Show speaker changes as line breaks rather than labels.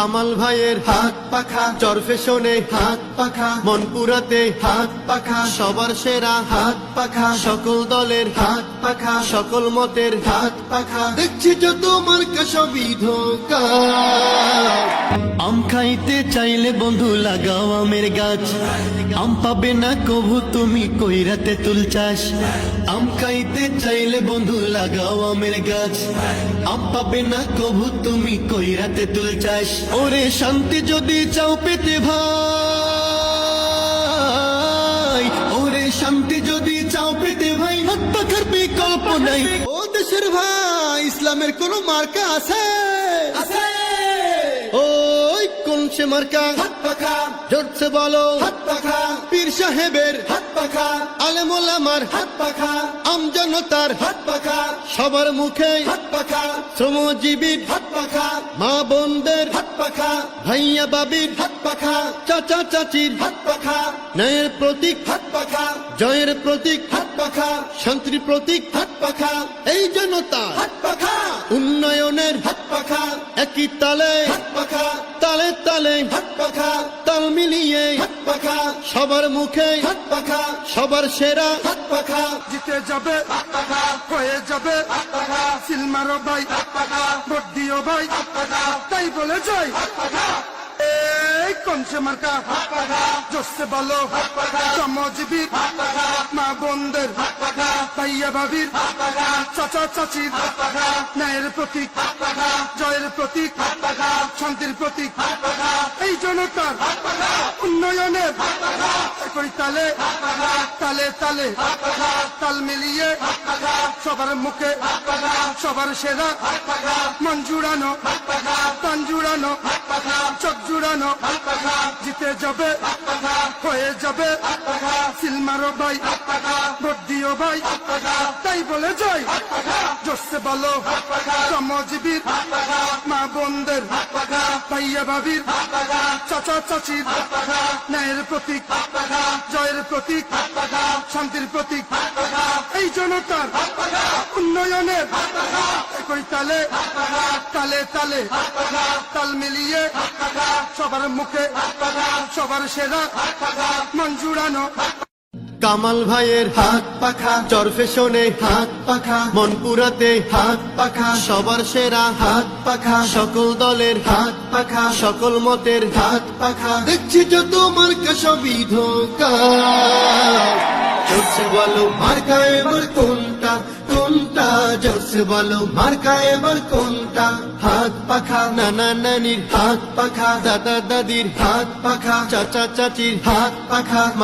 কামাল ভাইয়ের হাত পাখা, চরফেশনে হাত পাখা, মনপুরাতে হাত পাখা, সবার সেরা হাত পাখা, সকল দলের হাত পাখা, সকল মতের হাত পাখা। দেখছি যত মার্কা সবই ধোঁকা। আম খাইতে চাইলে বন্ধু লাগাও আমের গাছ, আম পাবে না কভু তুমি কইরাতে তুল চাষ। আম খাইতে চাইলে বন্ধু লাগাও আমের গাছ, আম পাবে না কভু তুমি কইরাতে তুল চাষ। ওরে শান্তি যদি চাও পেতে ভাই, ওরে শান্তি যদি চাও পেতে ভাই, হাত পাখার বিকল্প নাই। ও দেশের ভাই, ইসলামের কোন মার্কা আছে? ওই কোন সে মার্কা? হাত পাখা। জোরছে বলো হাত পাখা। পীর সাহেবের হাত পাখা, আলেম ওলামার হাত পাখা, আমজনতার হাত পাখা, সবার মুখে হাত পাখা, শ্রমজীবীর হাত পাখা, মা বোনদের হাত পাখা, ভাইয়া বাবির হাত পাখা, চাচা চাচির হাত পাখা, ন্যায়ের প্রতীক হাত পাখা, জয়ের প্রতীক হাত পাখা, শান্তির প্রতীক হাত পাখা। এই জনতা হাত পাখা, উন্নয়নের হাত পাখা, একই তালে হাত পাখা, তালে তালে হাত পাখা, তাল মিলিয়ে হাত পাখা, সবার মুখে হাত পাখা, সবার সেরা হাত পাখা।
জিতে যাবে হাত পাখা, হয়ে যাবে হাত পাখা, সিলমারো ভাই হাত পাখা, ভোট দিও ভাই হাত পাখা, তাই বলে যাই হাত পাখা। এই কোন সে মার্কা? হাত পাখা। জোরসে বলো হাত পাখা, শ্রমজীবীর হাত পাখা, মা বোনদের হাত পাখা, ভাইয়া ভাবির হাত পাখা, চাচা চাচির হাত পাখা, ন্যায়ের প্রতীক হাত পাখা, জয়ের প্রতীক হাত পাখা, শান্তির প্রতীক হাত পাখা। এই জনতার হাত পাখা, উন্নয়নের হাত পাখা, একই তালে হাত পাখা, তালে তালে হাত পাখা, তাল মিলিয়ে হাত পাখা, সবার মুখে হাত পাখা, সবার সেরা হাত পাখা, মন জুড়ানো হাত পাখা, প্রাণ জুড়ানো হাত পাখা, চোখ জুড়ানো হাত পাখা। জিতে যাবে হাত পাখা, হয়ে যাবে হাত পাখা, সিলমারো ভাই হাত পাখা, ভোট দিও ভাই হাত পাখা, তাই বলে যাই হাত পাখা। জোরসে বলো হাত পাখা, শ্রমজীবীর হাত পাখা, মা বোনদের হাত পাখা, ভাইয়া ভাবির হাত পাখা, চাচা চাচির হাত পাখা, ন্যায়ের প্রতীক হাত পাখা, জয়ের প্রতীক হাত পাখা, শান্তির প্রতীক হাত পাখা। এই জনতার হাত পাখা, উন্নয়নের হাত পাখা, একই তালে হাত পাখা, তালে তালে হাত পাখা, তাল মিলিয়ে হাত পাখা, সবার মুখে হাত পাখা, সবার সেরা হাত পাখা, মন জুড়ানো।
কামাল ভাইয়ের হাত পাখা, চরফেশনে হাত পাখা, মনপুরাতে হাত পাখা, সবার সেরা হাত পাখা, সকল দলের হাত পাখা, সকল মতের হাত পাখা। দেখছি যত মার্কা সবই ধোঁকা। জোরসে বলো মার্কা এবার কোনটা কোনটা? জোরসে বলো মার্কা এবার কোনটা? হাত পাখা, নানা নানির হাত পাখা, দাদা দাদির হাত পাখা, চাচা চাচির হাত পাখা।